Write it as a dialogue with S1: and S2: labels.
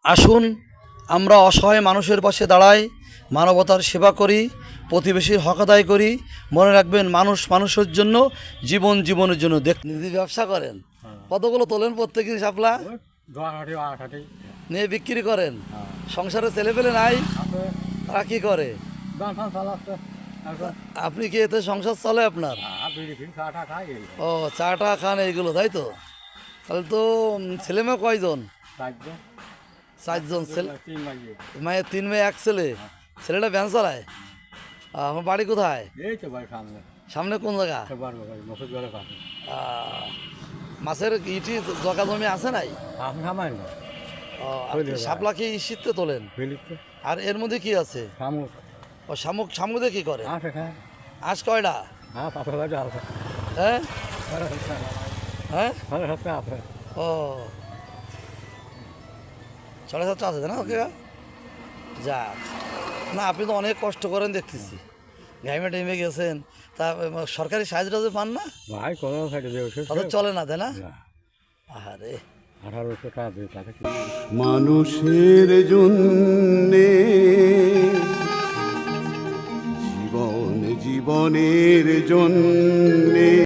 S1: আসুন আমরা অসহায় মানুষের পাশে দাঁড়াই, মানবতার সেবা করি, প্রতিবেশীর হক আদায় করি। মনে রাখবেন, মানুষ মানুষের জন্য, জীবন জীবনের জন্য। নিজে ব্যবসা করেন, কতগুলো তোলেন প্রত্যেকদিন শাপলা নিয়ে বিক্রি করেন? সংসারে ছেলে পেলে নাই, তারা কি করে? আপনি কি এতে সংসার চলে আপনার? ও, চাটা খান এইগুলো, তাই তো? তাহলে তো ছেলে মেয়ে কয়জন? চারজন। ছেলে মায়ের 3 মেয়ে 1 ছেলে। ছেলেটা ভ্যান চালায়। আমার বাড়ি কোথায়? সামনে কোন জায়গা? মাছের ইটি জগা জমি আছে নাই? শাপলা কি শীতে তোলেন? আর এর মধ্যে কি আছে? ও শামুক। শামুকে কি করে? আঁশ কয়টা? হ্যাঁ হ্যাঁ, ও 7.5 আছে না? ওকে, যাক। না, আপনি তো অনেক কষ্ট করেন দেখতেছি, ঘাইমে টাইমে গেছেন। তা সরকারি সাহায্য টাহায্য পান না? তাদের চলে না, তাই না? আরে
S2: 1800 টাকা দিয়ে মানুষের জন্যে জীবনের জন্যে